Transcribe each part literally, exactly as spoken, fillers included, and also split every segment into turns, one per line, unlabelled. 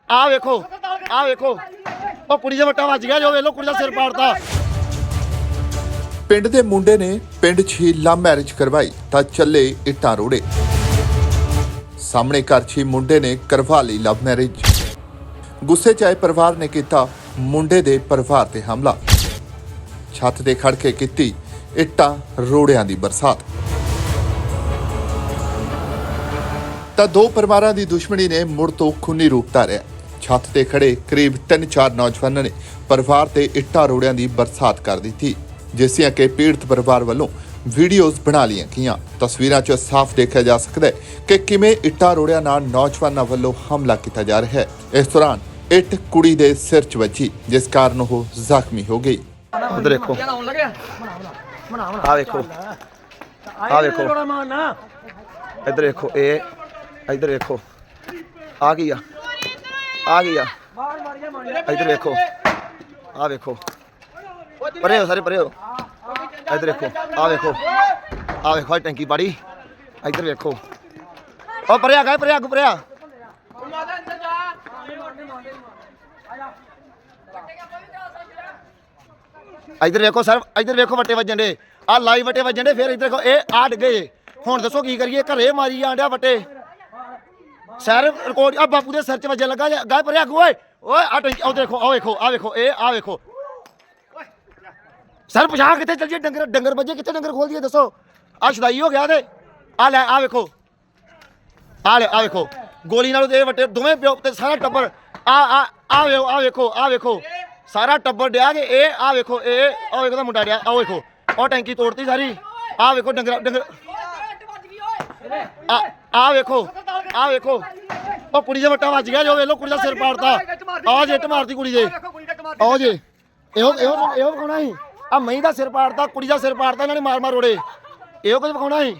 ਆ ਵੇਖੋ ਆ ਵੇਖੋ ਉਹ ਕੁੜੀ ਦੇ ਵੱਟਾ ਵੱਜ ਗਿਆ ਜੋ ਵੇਖ ਲੋ ਕੁੜੀ ਦਾ ਸਿਰ ਪਾੜਤਾ।
ਪਿੰਡ ਦੇ ਮੁੰਡੇ ਨੇ ਪਿੰਡ 'ਚ ਹੀ ਲਵ ਮੈਰਿਜ ਕਰਵਾਈ ਤਾਂ ਚੱਲੇ ਇੱਟਾਂ ਰੋੜੇ। ਸਾਹਮਣੇ ਘਰ 'ਚ ਹੀ ਮੁੰਡੇ ਨੇ ਕਰਵਾ ਲਈ ਲਵ ਮੈਰਿਜ। ਗੁੱਸੇ 'ਚ ਆਏ ਪਰਿਵਾਰ ਨੇ ਕੀਤਾ ਮੁੰਡੇ ਦੇ ਪਰਿਵਾਰ ਤੇ ਹਮਲਾ। ਛੱਤ ਤੇ ਖੜ ਕੇ ਕੀਤੀ ਇੱਟਾਂ ਰੋੜਿਆਂ ਦੀ ਬਰਸਾਤ। ਤਾਂ ਦੋ ਪਰਿਵਾਰਾਂ ਦੀ ਦੁਸ਼ਮਣੀ ਨੇ ਮੁੜ ਤੋਂ ਖੂਨੀ ਰੂਪ ਧਾਰਿਆ। ਛੱਤ ਤੇ ਖੜੇ ਕਰੀਬ ਤਿੰਨ ਚਾਰ ਨੌਜਵਾਨਾਂ ਨੇ ਪਰਿਵਾਰ ਤੇ ਇੱਟਾਂ ਰੋੜਿਆਂ ਦੀ ਬਰਸਾਤ ਕਰ ਦਿੱਤੀ, ਜਿਸ ਦੀਆਂ ਕਿ ਪੀੜਤ ਪਰਿਵਾਰ ਵੱਲੋਂ ਵੀਡੀਓਜ਼ ਬਣਾ ਲਈਆਂ ਗਈਆਂ। ਤਸਵੀਰਾਂ 'ਚ ਸਾਫ਼ ਦੇਖਿਆ ਜਾ ਸਕਦਾ ਹੈ ਕਿ ਕਿਵੇਂ ਇੱਟਾਂ ਰੋੜਿਆਂ ਨਾਲ ਨੌਜਵਾਨਾਂ ਵੱਲੋਂ ਹਮਲਾ ਕੀਤਾ ਜਾ ਰਿਹਾ ਹੈ। ਇਸ ਦੌਰਾਨ ਇੱਟ ਕੁੜੀ ਦੇ ਸਿਰ 'ਚ ਵੱਜੀ, ਜਿਸ ਕਾਰਨ ਉਹ ਜ਼ਖਮੀ ਹੋ ਗਈ।
ਉਧਰ ਦੇਖੋ ਆ ਵੇਖੋ ਆ ਵੇਖੋ ਇੱਧਰ ਦੇਖੋ ਇਹ ਇੱਧਰ ਵੇਖੋ ਆ ਕੀ ਆ ਆ ਕੀ ਆ ਇੱਧਰ ਵੇਖੋ ਆ ਵੇਖੋ ਪਰੇ ਹੋ ਸਾਰੇ ਪਰੇ ਹੋ। ਇੱਧਰ ਵੇਖੋ ਆ ਵੇਖੋ ਆ ਵੇਖੋ ਟੈਂਕੀ ਪਾੜੀ। ਇੱਧਰ ਵੇਖੋ ਉਹ ਪਰੇ ਆ ਗਏ ਪਰੇ ਅੱਗ ਪਰੇ ਆ। ਇੱਧਰ ਵੇਖੋ ਸਰ ਇੱਧਰ ਵੇਖੋ ਵੱਟੇ ਵੱਜਣ ਦੇ ਆ ਲਾਈਵ ਵੱਟੇ ਵੱਜਣ ਦੇ। ਫਿਰ ਇੱਧਰ ਦੇਖੋ ਇਹ ਆ ਡਿੱਗੇ। ਹੁਣ ਦੱਸੋ ਕੀ ਕਰੀਏ? ਘਰੇ ਮਾਰੀ ਆਂਡਿਆ ਵੱਟੇ ਸਰ ਰਿਕਾਰਡ ਆ ਬਾਪੂ ਦੇ ਸਿਰ 'ਚ ਵੱਜਣ ਲੱਗਾ। ਗਾਏ ਪਰੇ ਅੱਗ ਓਏ ਓਏ ਆ ਟੈਂਕੀ ਉਹ ਦੇਖੋ ਆ ਵੇਖੋ ਆ ਵੇਖੋ ਇਹ ਆ ਵੇਖੋ ਸਰ ਪਛਾਣ ਕਿੱਥੇ ਚੱਲ ਜੀ? ਡੰਗਰ ਡੰਗਰ ਵੱਜੇ ਕਿੱਥੇ? ਡੰਗਰ ਖੋਲ ਦਈਏ ਦੱਸੋ? ਆ ਛਦਾਈ ਹੋ ਗਿਆ ਤੇ ਆ ਲੈ ਆ ਵੇਖੋ ਆ ਲੈ ਆ ਵੇਖੋ ਗੋਲੀ ਨਾਲ ਦੇ ਵੱਟੇ ਦੋਵੇਂ ਪਿਓ ਤੇ ਸਾਰਾ ਟੱਬਰ ਆ ਆ ਆ ਵੇਖੋ ਆ ਵੇਖੋ ਆ ਵੇਖੋ ਸਾਰਾ ਟੱਬਰ ਡਿਆ ਕਿ ਇਹ ਆ ਵੇਖੋ ਇਹ ਆ ਵੇਖੋ ਦਾ ਮੁੰਡਾ ਡਿਆ। ਆ ਵੇਖੋ ਉਹ ਟੈਂਕੀ ਤੋੜਤੀ ਸਾਰੀ। ਆ ਵੇਖੋ ਡੰਗਰ ਡੰਗਰ ਆ ਆ ਵੇਖੋ ਆ ਵੇਖੋ ਉਹ ਕੁੜੀ ਦੇ ਵੱਟਾ ਵੱਜ ਗਿਆ ਜੋ ਵੇਖ ਲੋ ਕੁੜੀ ਦਾ ਸਿਰ ਪਾੜਤਾ। ਆ ਜੇ ਇੱਟ ਮਾਰਤੀ ਕੁੜੀ ਦੇ ਆ ਜੇ ਇਹੋ ਇਹੋ ਇਹੋ ਵਿਖਾਉਣਾ ਸੀ। ਆ ਮਹੀਂ ਦਾ ਸਿਰ ਪਾੜਤਾ ਕੁੜੀ ਦਾ ਸਿਰ ਪਾੜਤਾ ਇਹਨਾਂ ਨੇ ਮਾਰ ਮਾਰ ਰੋੜੇ। ਇਹੋ ਕੁਝ ਵਿਖਾਉਣਾ ਸੀ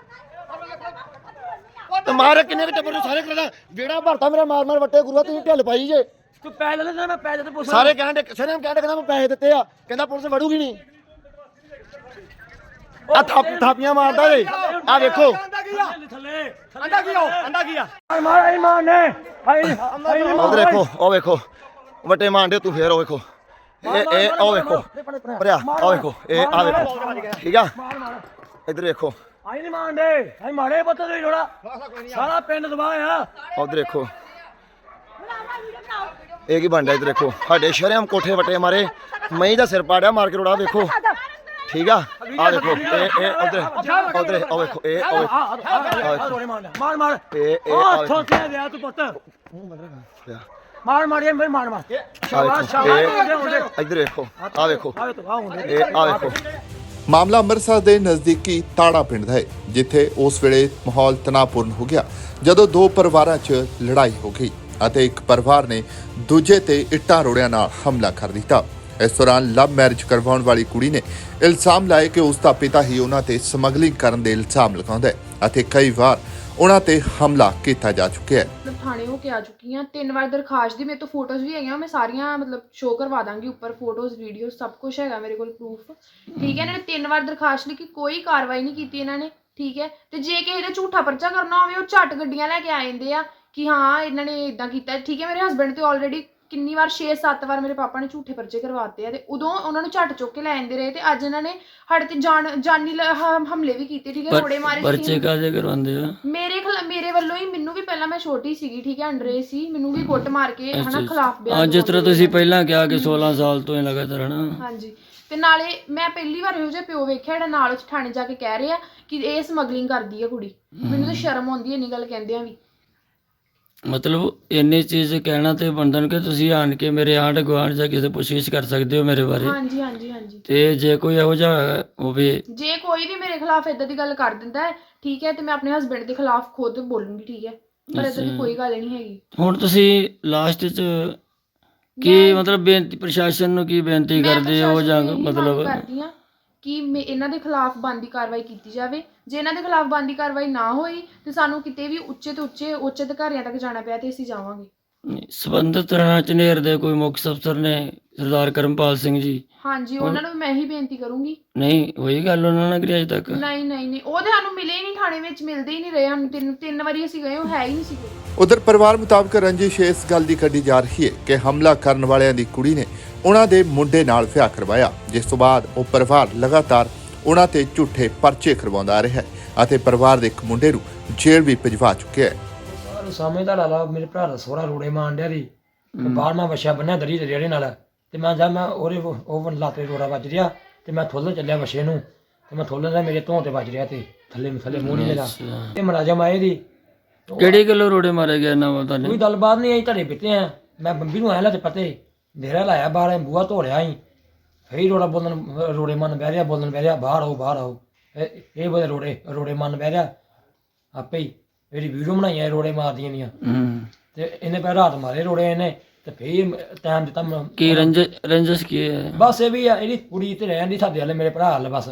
ਤੇ ਮਾਰੇ ਕਿੰਨੇ ਕੁ ਟੱਬਰ ਨੂੰ ਸਾਰੇ ਕਰਦਾ ਜਿਹੜਾ ਭਰਤਾ ਮੇਰਾ ਮਾਰ ਮਾਰ ਵੱਟੇ ਗੁਰੂਆ ਤੁਸੀਂ ਢਿੱਲ ਪਾਈ ਜੇ।
ਤੂੰ ਪੈਸੇ ਲੈ ਲੈ ਮੈਂ ਪੈਸੇ ਤੇ ਪੁੱਛ
ਸਾਰੇ ਕਹਿੰਦੇ ਸਾਰੇ ਕਹਿੰਦੇ ਕਹਿੰਦਾ ਮੈਂ ਪੈਸੇ ਦਿੱਤੇ ਆ। ਕਹਿੰਦਾ ਪੁਲਿਸ ਵੜੂਗੀ ਨਹੀਂ। ਆ ਥਾਪ ਥਾਪੀਆਂ ਮਾਰਦਾ ਵੇ ਆ ਵੇਖੋ
ਥੱਲੇ
ਅੰਡਾ ਕੀ ਹੋ ਅੰਡਾ ਕੀ ਆ
ਮਾਰ ਆਈ ਮਾਰ ਨੇ ਆਈ
ਉਧਰ ਦੇਖੋ ਉਹ ਵੇਖੋ ਵੱਟੇ ਮਾਰਦੇ ਤੂੰ ਫੇਰ ਉਹ ਵੇਖੋ ਇਹ ਇਹ ਉਹ ਵੇਖੋ ਭਰਿਆ ਆ ਵੇਖੋ ਇਹ ਆ ਵੇਖੋ ਠੀਕ ਆ। ਇੱਧਰ ਵੇਖੋ
ਆਈ ਨਹੀਂ ਮਾਰਦੇ ਆਈ ਮਾਰੇ ਪੱਤਾ ਦੇ ਜੋੜਾ ਸਾਰਾ ਪਿੰਡ ਦਬਾਇਆ।
ਉਧਰ ਦੇਖੋ ਇਹ ਕੀ ਬਣਦਾ। ਇੱਧਰ ਦੇਖੋ ਸਾਡੇ ਸ਼ਰਮ ਕੋਠੇ ਵੱਟੇ ਮਾਰੇ ਮਹੀਂ ਦਾ ਸਿਰ ਪਾੜਿਆ ਮਾਰ ਕੇ ਰੋੜਾ ਵੇਖੋ ਠੀਕ ਆ। ਆ ਦੇਖੋ ਇਹ ਇਹ ਉਧਰ ਉਧਰ ਉਹ ਵੇਖੋ ਇਹ
ਮਾਰ ਮਾਰ
ਇਹ ਇਹ
ਉਹ ਥੋਥੇ ਦਿਆ ਤੂੰ ਪੁੱਤ ਮਾਰ ਮਾਰ ਮਾਰ ਮਾਰ ਮਾਰ ਸ਼ਾਬਾਸ਼ ਸ਼ਾਬਾਸ਼।
ਇੱਧਰ ਵੇਖੋ ਆ ਵੇਖੋ
ਆ ਤੂੰ ਆ ਹੁੰਦੇ
ਇਹ ਆ ਵੇਖੋ।
ਮਾਮਲਾ ਅੰਮ੍ਰਿਤਸਰ ਦੇ ਨਜ਼ਦੀਕੀ ਤਾੜਾ ਪਿੰਡ ਦਾ ਹੈ, ਜਿੱਥੇ ਉਸ ਵੇਲੇ ਮਾਹੌਲ ਤਣਾਅਪੂਰਨ ਹੋ ਗਿਆ ਜਦੋਂ ਦੋ ਪਰਿਵਾਰਾਂ 'ਚ ਲੜਾਈ ਹੋ ਗਈ ਅਤੇ ਇੱਕ ਪਰਿਵਾਰ ਨੇ ਦੂਜੇ ਤੇ ਇੱਟਾਂ ਰੋੜਿਆਂ ਨਾਲ ਹਮਲਾ ਕਰ ਦਿੱਤਾ। ਇਸ ਦੌਰਾਨ ਲਵ ਮੈਰਿਜ ਕਰਵਾਉਣ ਵਾਲੀ ਕੁੜੀ ਨੇ ਇਲਜ਼ਾਮ ਲਾਏ ਕਿ ਉਸ ਦਾ ਪਿਤਾ ਹੀ ਉਹਨਾਂ ਤੇ ਸਮਗਲਿੰਗ ਕਰਨ ਦੇ ਇਲਜ਼ਾਮ ਲਗਾਉਂਦਾ ਹੈ ਅਤੇ ਕਈ ਵਾਰ ਉਹਨਾਂ ਤੇ ਹਮਲਾ ਕੀਤਾ ਜਾ ਚੁੱਕਿਆ ਹੈ।
ਮਤਲਬ ਥਾਣੇ ਹੋ ਕੇ ਆ ਚੁੱਕੀ ਹਾਂ ਤਿੰਨ ਵਾਰ ਦਰਖਾਸਤ ਦੀ ਮੇਰੇ ਤੋਂ ਫੋਟੋਜ਼ ਵੀ ਹੈਗੀਆਂ। ਮੈਂ ਸਾਰੀਆਂ ਮਤਲਬ ਸ਼ੋਅ ਕਰਵਾ ਦਾਂਗੀ ਉੱਪਰ ਫੋਟੋਜ਼ ਵੀਡੀਓ ਸਭ ਕੁਝ ਹੈਗਾ ਮੇਰੇ ਕੋਲ ਪ੍ਰੂਫ। ਠੀਕ ਹੈ ਇਹਨਾਂ ਨੇ ਤਿੰਨ ਵਾਰ ਦਰਖਾਸਤ ਲਿਖੀ ਕੋਈ ਕਾਰਵਾਈ ਨਹੀਂ ਕੀਤੀ ਇਹਨਾਂ ਨੇ। ਠੀਕ ਹੈ ਤੇ ਜੇ ਕਿਸੇ ਦਾ ਝੂਠਾ ਪਰਚਾ ਕਰਨਾ ਹੋਵੇ ਉਹ ਝੱਟ ਗੱਡੀਆਂ ਲੈ ਕੇ ਆ ਜਾਂਦੇ ਆ ਕਿ ਹਾਂ ਇਹਨਾਂ ਨੇ ਇਦਾਂ ਕੀਤਾ। ਠੀਕ ਹੈ ਮੇਰੇ ਹਸਬੈਂਡ ਤੇ ਆਲਰੇਡੀ ਕਿੰਨੀ ਵਾਰ ਛੇ ਸੱਤ ਵਾਰ ਮੇਰੇ ਪਾਪਾ ਨੇ ਝੂਠੇ ਪਰਚੇ ਕਰਵਾਤੇ ਆ ਤੇ ਉਦੋਂ ਉਹਨਾਂ ਨੂੰ ਝੱਟ ਚੁੱਕ ਕੇ ਲੈ ਜਾਂਦੇ ਰਹੇ ਤੇ ਅੱਜ ਇਹਨਾਂ ਨੇ ਸਾਡੇ ਤੇ ਜਾਨ ਜਾਨੀ ਹਮਲੇ ਵੀ ਕੀਤੇ। ਠੀਕ ਹੈ ਥੋੜੇ ਮਾਰੇ
ਪਰਚੇ ਕਾਹਦੇ ਕਰਵਾਉਂਦੇ ਆ?
ਮੇਰੇ ਖਿਲਾ ਮੇਰੇ ਵੱਲੋਂ ਹੀ ਮੈਨੂੰ ਵੀ ਪਹਿਲਾਂ ਮੈਂ ਛੋਟੀ ਸੀਗੀ ਠੀਕ ਹੈ ਅੰਡਰੇ ਸੀ ਮੈਨੂੰ ਵੀ ਕੁੱਟ ਮਾਰ ਕੇ ਹਨਾ ਖਿਲਾਫ ਬਿਆਨ
ਜਿਸ ਤਰ੍ਹਾਂ ਤੁਸੀਂ ਪਹਿਲਾਂ ਕਿਹਾ ਕਿ ਸੋਲਾਂ ਸਾਲ ਤੋਂ ਹੀ ਲਗਾਤਾਰ ਹਨਾ।
ਹਾਂਜੀ ਤੇ ਨਾਲੇ ਮੈਂ ਪਹਿਲੀ ਵਾਰ ਇਹੋ ਜਿਹਾ ਪਿਓ ਵੇਖਿਆ ਜਿਹੜਾ ਨਾਲ ਉਸ ਥਾਣੇ ਜਾ ਕੇ ਕਹਿ ਰਿਹਾ ਕਿ ਇਹ ਸਮਗਲਿੰਗ ਕਰਦੀ ਆ ਕੁੜੀ। ਮੈਨੂੰ ਤਾਂ ਸ਼ਰਮ ਆਉਂਦੀ ਹੈ ਇੰਨੀ ਗੱਲ ਕਹਿੰਦਿਆਂ ਵੀ।
ਮਤਲਬ ਇੰਨੀ ਚੀਜ਼ ਕਹਿਣਾ ਤੇ ਬੰਦਨ ਕਿ ਤੁਸੀਂ ਆਣ ਕੇ ਮੇਰੇ ਆਂਢ ਗੁਆਂਢ ਜਾਂ ਕਿਸੇ ਪੁੱਛਗਿੱਛ ਕਰ ਸਕਦੇ ਹੋ ਮੇਰੇ ਬਾਰੇ।
ਹਾਂਜੀ ਹਾਂਜੀ ਹਾਂਜੀ
ਤੇ ਜੇ ਕੋਈ ਇਹੋ ਜਿਹਾ ਹੋਵੇ
ਜੇ ਕੋਈ ਵੀ ਮੇਰੇ ਖਿਲਾਫ ਇਦਾਂ ਦੀ ਗੱਲ ਕਰ ਦਿੰਦਾ ਹੈ ਠੀਕ ਹੈ ਤੇ ਮੈਂ ਆਪਣੇ ਹਸਬੈਂਡ ਦੇ ਖਿਲਾਫ ਖੁਦ ਬੋਲੂੰਗੀ। ਠੀਕ ਹੈ ਪਰ ਇਦਾਂ ਦੀ ਕੋਈ ਗੱਲ ਨਹੀਂ ਹੈਗੀ।
ਹੁਣ ਤੁਸੀਂ ਲਾਸਟ 'ਚ ਕੀ ਮਤਲਬ ਬੇਨਤੀ ਪ੍ਰਸ਼ਾਸਨ ਨੂੰ ਕੀ ਬੇਨਤੀ ਕਰਦੇ ਹੋ ਜਾਂ ਮਤਲਬ
ਕਰਦੀ ਹਾਂ ਕਿ ਮੈਂ ਇਹਨਾਂ ਦੇ ਖਿਲਾਫ ਬਣਦੀ ਕਾਰਵਾਈ ਕੀਤੀ ਜਾਵੇ। ਜੇ ਇਹਨਾਂ ਦੇ ਖਿਲਾਫ ਬਣਦੀ ਕਾਰਵਾਈ ਨਾ ਹੋਈ ਤੇ ਸਾਨੂੰ ਕਿਤੇ ਵੀ ਉੱਚੇ ਤੋਂ ਉੱਚੇ ਉੱਚ ਅਧਿਕਾਰੀਆਂ ਤੱਕ ਜਾਣਾ ਪਿਆ ਤੇ ਅਸੀਂ ਜਾਵਾਂਗੇ।
ਸੰਬੰਧਿਤ ਥਾਣਾ ਝਨੇਰ ਦੇ ਕੋਈ ਮੁੱਖ ਅਫਸਰ ਨੇ ਸਰਦਾਰ ਕਰਮਪਾਲ ਸਿੰਘ ਜੀ।
ਹਾਂਜੀ ਉਹਨਾਂ ਨੂੰ ਮੈਂ ਹੀ ਬੇਨਤੀ ਕਰੂੰਗੀ।
ਨਹੀਂ ਹੋਈ ਗੱਲ ਉਹਨਾਂ ਨਾਲ ਕਰੀ ਅਜੇ ਤੱਕ?
ਨਹੀਂ ਨਹੀਂ ਨਹੀਂ ਉਹ ਤੇ ਸਾਨੂੰ ਮਿਲੇ ਹੀ ਨਹੀਂ, ਥਾਣੇ ਵਿੱਚ ਮਿਲਦੇ ਹੀ ਨਹੀਂ ਰਹੇ ਸਾਨੂੰ। ਤਿੰਨ ਤਿੰਨ ਵਾਰੀ ਅਸੀਂ ਗਏ, ਉਹ ਹੈ ਹੀ ਨਹੀਂ ਸੀ ਕੋਈ।
ਉਧਰ ਪਰਿਵਾਰ ਮੁਤਾਬਕ ਰੰਜਿਸ਼ ਇਸ ਗੱਲ ਦੀ ਕੱਢੀ ਜਾ ਰਹੀ ਹੈ ਕਿ ਹਮਲਾ ਕਰਨ ਵਾਲਿਆਂ ਦੀ ਕੁੜੀ ਨੇ ਉਹਨਾਂ ਦੇ ਮੁੰਡੇ ਨਾਲ ਵਿਆਹ ਕਰਵਾਇਆ, ਜਿਸ ਤੋਂ ਬਾਅਦ ਉਹ ਪਰਿਵਾਰ ਲਗਾਤਾਰ ਉਹਨਾਂ ਤੇ ਝੂਠੇ ਪਰਚੇ ਕਰਵਾਉਂਦਾ ਰਿਹਾ ਹੈ ਅਤੇ ਪਰਿਵਾਰ ਦੇ ਇੱਕ ਮੁੰਡੇ ਨੂੰ ਜੇਲ੍ਹ ਵੀ ਭਿਜਵਾ ਚੁੱਕਿਆ ਹੈ।
ਸਾਰ ਸਮੇਂ ਦਾ ਲਾਲਾ ਮੇਰੇ ਭਰਾ ਦਾ ਸੋਹਰਾ ਰੋੜੇ ਮਾਰਨ ਡਿਆ ਸੀ ਤੇ ਬਾਹਰ ਮੈਂ ਵਛਿਆ ਬੰਨਿਆ ਦਰੀ ਦੇ ਰੇੜੇ ਨਾਲ, ਤੇ ਮੈਂ ਜਾ ਮੈਂ ਉਹਦੇ ਉਹ ਲਾਤੇ ਰੋੜਾ ਵੱਜ ਰਿਹਾ ਤੇ ਮੈਂ ਥੋਲਣ ਚੱਲਿਆ ਵਛੇ ਨੂੰ, ਤੇ ਮੈਂ ਥੋਲਣ ਦਾ ਮੇਰੇ ਧੋਂ ਤੇ ਵੱਜ ਰਿਹਾ ਤੇ ਥੱਲੇ ਥੱਲੇ ਮੂੰਹ ਨਹੀਂ ਲਗਾ। ਤੇ ਮੁਲਾਜ਼ਮ ਆਏ ਦੀ
ਕਿਹੜੀ ਗੱਲੋਂ ਰੋੜੇ ਮਾਰੇ ਗਏ ਨਾ ਤੁਹਾਨੂੰ?
ਕੋਈ ਗੱਲਬਾਤ ਨਹੀਂ ਆਈ, ਧੜੇ ਪਿੱਤੇ ਆ। ਮੈਂ ਬੰਬੀ ਨੂੰ ਆਇਆ ਲਾ ਤੇ ਪਤੇ ਦੇਰਾ ਲਾਇਆ ਬਾਹਰ, ਬੂਹਾ ਧੋ ਰਿਹਾ ਸੀ, ਫੇਰ ਰੋੜਾ ਬੋਲਣ ਰੋੜੇ ਮਨ ਬਹਿ ਰਿਹਾ ਬੋਲਣ ਬਹਿ ਰਿਹਾ ਬਾਹਰ ਆਓ ਬਾਹਰ ਆਓ। ਇਹ ਇਹ ਬੋਲੇ ਰੋੜੇ ਰੋੜੇ ਮਨ ਬਹਿ ਰਿਹਾ ਆਪੇ ਹੀ। ਮੇਰੀ ਵੀਡੀਓ ਬਣਾਈਆਂ ਰੋੜੇ ਮਾਰਦੀਆਂ ਦੀਆਂ,
ਹੂੰ।
ਤੇ ਇਹਨੇ ਪੈ ਰਾਤ ਮਾਰੇ ਰੋੜੇ ਇਹਨੇ, ਤੇ ਫੇਰ ਟਾਈਮ ਦਿੱਤਾ ਮੈਨੂੰ।
ਕੀ ਰੰਜ ਰੰਜਸ ਕੀ ਹੈ?
ਬਸ ਇਹ ਵੀ ਆ, ਇਹਦੀ ਕੁੜੀ ਤੇ ਰਹਿਣ ਦੀ ਸਾਡੇ ਵਾਲੇ ਮੇਰੇ ਭਰਾ ਵਾਲੇ ਬਸ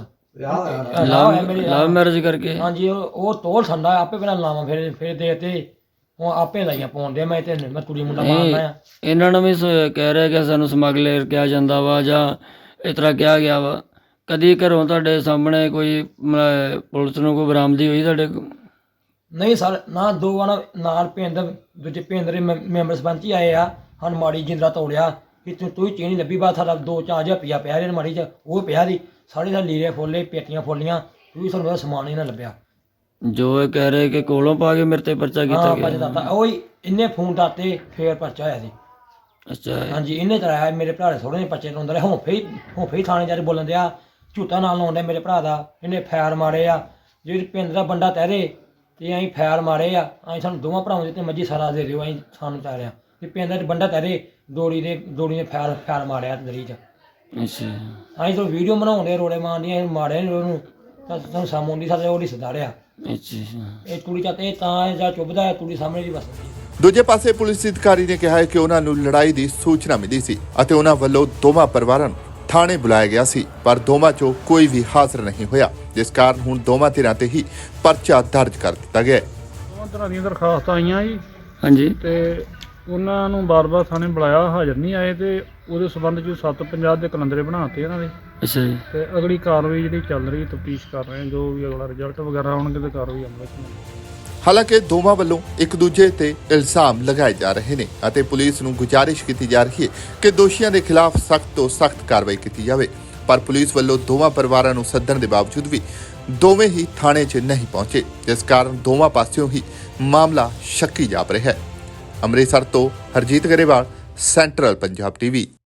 ਲਵ ਮੈਰਿਜ ਕਰਕੇ?
ਹਾਂਜੀ ਉਹ ਉਹ ਤੋਲ ਸੰਦਾ ਆਪੇ ਬਿਨਾਂ ਲਾਵਾਂ ਫਿਰ ਫਿਰ ਦੇ ਤੇ ਉਹ ਆਪੇ ਲਾਈਆਂ ਪਾਉਣ ਦੇ। ਮੈਂ ਤੇ ਮੈਂ ਕੁੜੀ ਮੁੰਡਾ ਮਾਰਨਾ ਆ।
ਇਹਨਾਂ ਨੂੰ ਵੀ ਸ- ਕਹਿ ਰਿਹਾ ਕਿ ਸਾਨੂੰ ਸਮਗਲਰ ਕਿਹਾ ਜਾਂਦਾ ਵਾ ਜਾਂ ਇਸ ਤਰ੍ਹਾਂ ਕਿਹਾ ਗਿਆ ਵਾ। ਕਦੀ ਘਰੋਂ ਤੁਹਾਡੇ ਸਾਹਮਣੇ ਕੋਈ ਮ- ਪੁਲਿਸ ਨੂੰ ਕੋਈ ਬਰਾਮਦੀ ਹੋਈ ਤੁਹਾਡੇ ਕੋਲ?
ਨਹੀਂ ਸਰ ਨਾ, ਦੋ ਵਾਰ ਨਾਲ ਪਿੰਡ ਦੂਜੇ ਪਿੰਡ ਦੇ ਮੈਂ- ਮੈਂਬਰ ਸਰਪੰਚ ਹੀ ਆਏ ਆ, ਹਨ ਮਾੜੀ ਜਿੰਦਰਾ ਤੋੜਿਆ ਕਿ ਤੂੰ ਤੂੰ ਹੀ ਚੀਨੀ ਲੱਭੀ ਬਾਤ ਸਾਡਾ ਦੋ ਚਾਰ ਹਜ਼ਾਰ ਰੁਪਈਆ ਪਿਆ ਇਹਦੇ ਮਾੜੀ ਚ, ਉਹ ਪਿਆ ਦੀ ਸਾਡੇ ਦਾ ਲੀਰੇ ਫੋਲੇ ਪੇਟੀਆਂ ਫੋਲੀਆਂ, ਤੂੰ ਸਾਨੂੰ ਉਹਦਾ ਸਮਾਨ ਹੀ ਨਾ ਲੱਭਿਆ।
ਜੋ ਇਹ ਕਹਿ ਰਹੇ ਕਿ ਕੋਲੋਂ ਪਾ ਕੇ ਮੇਰੇ ਤੇ ਪਰਚਾ ਕੀਤਾ
ਹਾਂ
ਗਿਆ?
ਪਰਚਾ ਦਿੱਤਾ ਉਹ ਹੀ, ਇਹਨੇ ਫੋਨ ਕਰਤੇ ਫੇਰ ਪਰਚਾ ਹੋਇਆ ਸੀ।
ਅੱਛਾ।
ਹਾਂਜੀ ਇਹਨੇ ਚਲਾਇਆ, ਮੇਰੇ ਭਰਾ ਦੇ ਥੋੜੇ ਜਿਹੇ ਪਰਚੇ ਲਾਉਂਦਾ ਰਿਹਾ। ਹੁਣ ਫੇਰ ਹੁਣ ਫੇਰ ਥਾਣੇ ਜਾ ਕੇ ਬੋਲਣ ਦਿਆ, ਝੂਠਾ ਨਾਲ ਲਾਉਂਦਾ ਮੇਰੇ ਭਰਾ ਦਾ। ਇਹਨੇ ਫੈਰ ਮਾਰੇ ਆ, ਜਿਹੜੇ ਪਿੰਡ ਦਾ ਬੰਦਾ ਤਹਿਰੇ ਤੇ ਅਸੀਂ ਫੈਰ ਮਾਰੇ ਆ। ਅਸੀਂ ਸਾਨੂੰ ਦੋਵਾਂ ਭਰਾਵਾਂ ਦੇ ਤੇ ਮੱਝੀ ਸਾਰਾ ਦੇ ਦਿਓ, ਅਸੀਂ ਸਾਨੂੰ ਚਾਹ ਰਿਹਾ ਤੇ ਪਿੰਡ ਦਾ ਬੰਦਾ ਤਹਿਰੇ ਦੋੜੀ ਦੇ ਦੋੜੀ ਨੇ ਫੈਰ ਫੈਰ ਮਾਰਿਆ ਦਰੀ 'ਚ।
ਅੱਛਾ।
ਅਸੀਂ ਤਾਂ ਵੀਡੀਓ ਬਣਾਉਂਦੇ ਰੋੜੇ ਮਾਰਦੀਆਂ, ਮਾਰਿਆ ਨਹੀਂ ਉਹਨੂੰ ਤਾਂ ਤੁਹਾਨੂੰ ਸਾਹਮਣੇ ਦੀ ਸਾਡੇ ਉਹਦੀ ਸਦਾੜਿਆ।
ਅੱਛਾ।
ਇਹ ਕੁੜੀ ਤਾਂ ਇਹ ਤਾਂ ਇਹ ਜਾਂ ਚੁੱਭਦਾ ਹੈ ਕੁੜੀ ਸਾਹਮਣੇ ਦੀ ਬਸ।
ਦੂਜੇ ਪਾਸੇ ਪੁਲਿਸ ਅਧਿਕਾਰੀ ਨੇ ਕਿਹਾ ਹੈ ਕਿ ਉਹਨਾਂ ਨੂੰ ਲੜਾਈ ਦੀ ਸੂਚਨਾ ਮਿਲੀ ਸੀ ਅਤੇ ਉਹਨਾਂ ਵੱਲੋਂ ਦੋਵਾਂ ਪਰਿਵਾਰਾਂ ਨੂੰ ਥਾਣੇ ਬੁਲਾਇਆ ਗਿਆ ਸੀ, ਪਰ ਦੋਵਾਂ ਚੋਂ ਕੋਈ ਵੀ ਹਾਜ਼ਰ ਨਹੀਂ ਹੋਇਆ, ਜਿਸ ਕਾਰਨ ਹੁਣ ਦੋਵਾਂ ਧਿਰਾਂ ਤੇ ਹੀ ਪਰਚਾ ਦਰਜ ਕਰ ਦਿੱਤਾ ਗਿਆ ਹੈ।
ਦੋਵਾਂ ਤਰ੍ਹਾਂ ਦੀਆਂ ਦਰਖਾਸਤਾਂ ਆਈਆਂ ਜੀ
ਹਾਂਜੀ।
ਤੇ ਉਹਨਾਂ ਨੂੰ ਬਾਰ-ਬਾਰ ਥਾਣੇ ਬੁਲਾਇਆ, ਹਾਜ਼ਰ ਨਹੀਂ ਆਏ ਤੇ ਉਹਦੇ ਸਬੰਧ 'ਚ ਸੱਤ ਪੰਜਾਹ ਦੇ ਕਲੰਦਰੇ ਬਣਾਤੇ ਇਹਨਾਂ ਦੇ
ਅੱਛਾ ਜੀ।
ਤੇ ਅਗਲੀ ਕਾਰਵਾਈ ਜਿਹੜੀ ਚੱਲ ਰਹੀ ਤਫਤੀਸ਼ ਕਰ ਰਹੇ ਹਾਂ, ਜੋ ਵੀ ਅਗਲਾ ਰਿਜ਼ਲਟ ਵਗੈਰਾ ਆਉਣਗੇ ਤੇ ਕਾਰਵਾਈ ਅਮਲ 'ਚ ਲਿਆਵਾਂਗੇ।
ਹਾਲਾਂਕਿ ਦੋਵਾਂ ਵੱਲੋਂ ਇੱਕ ਦੂਜੇ ਤੇ ਇਲਜ਼ਾਮ ਲਗਾਏ ਜਾ ਰਹੇ ਨੇ ਅਤੇ ਪੁਲਿਸ ਨੂੰ ਗੁਜ਼ਾਰਿਸ਼ ਕੀਤੀ ਜਾ ਰਹੀ ਹੈ ਕਿ ਦੋਸ਼ੀਆਂ ਦੇ ਖਿਲਾਫ ਸਖਤ ਤੋਂ ਸਖਤ ਕਾਰਵਾਈ ਕੀਤੀ ਜਾਵੇ, ਪਰ ਪੁਲਿਸ ਵੱਲੋਂ ਦੋਵਾਂ ਪਰਿਵਾਰਾਂ ਨੂੰ ਸੱਦਣ ਦੇ ਬਾਵਜੂਦ ਵੀ ਦੋਵੇਂ ਹੀ ਥਾਣੇ 'ਚ ਨਹੀਂ ਪਹੁੰਚੇ, ਜਿਸ ਕਾਰਨ ਦੋਵਾਂ ਪਾਸਿਓਂ ਹੀ ਮਾਮਲਾ ਸ਼ੱਕੀ ਜਾਪ ਰਿਹਾ ਹੈ। ਅੰਮ੍ਰਿਤਸਰ ਤੋਂ ਹਰਜੀਤ ਗਰੇਵਾਲ, ਸੈਂਟਰਲ ਪੰਜਾਬ ਟੀਵੀ।